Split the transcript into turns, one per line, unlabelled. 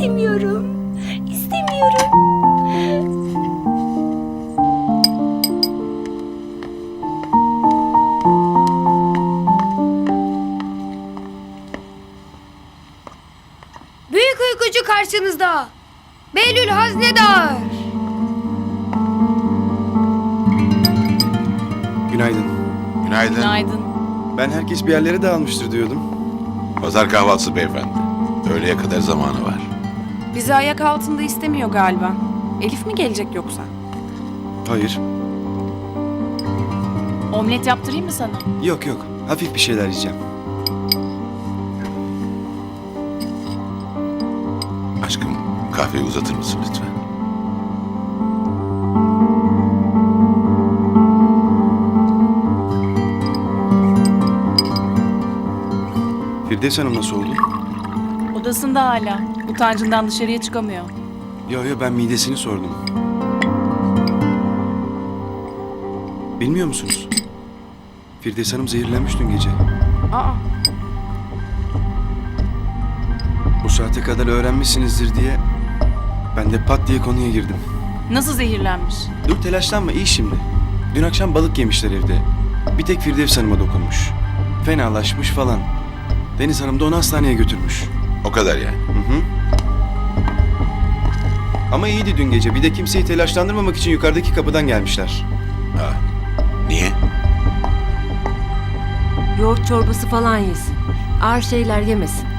İstemiyorum. İstemiyorum.
Büyük uykucu karşınızda. Behlül Haznedar.
Günaydın.
Günaydın.
Günaydın.
Ben herkes bir yerlere dağılmıştır diyordum.
Pazar kahvaltısı beyefendi. Öğleye kadar zamanı var.
Bizi ayak altında istemiyor galiba. Elif mi gelecek yoksa?
Hayır.
Omlet yaptırayım mı sana?
Yok yok. Hafif bir şeyler yiyeceğim.
Aşkım kahveyi uzatır mısın lütfen?
Firdevs Hanım nasıl oldu?
Odasında hala. Utancından dışarıya çıkamıyor.
Yo ben midesini sordum. Bilmiyor musunuz? Firdevs Hanım zehirlenmiş dün gece.
Aa,
Bu saate kadar öğrenmişsinizdir diye ben de pat diye konuya girdim.
nasıl zehirlenmiş?
Dur telaşlanma, iyi şimdi. Dün akşam balık yemişler evde. Bir tek Firdevs Hanım'a dokunmuş. Fenalaşmış falan. Deniz Hanım da onu hastaneye götürmüş.
O kadar yani.
Hı. Ama iyiydi dün gece. Bir de kimseyi telaşlandırmamak için yukarıdaki kapıdan gelmişler.
Ha. Niye?
Yoğurt çorbası falan yesin. Ağır şeyler yemesin.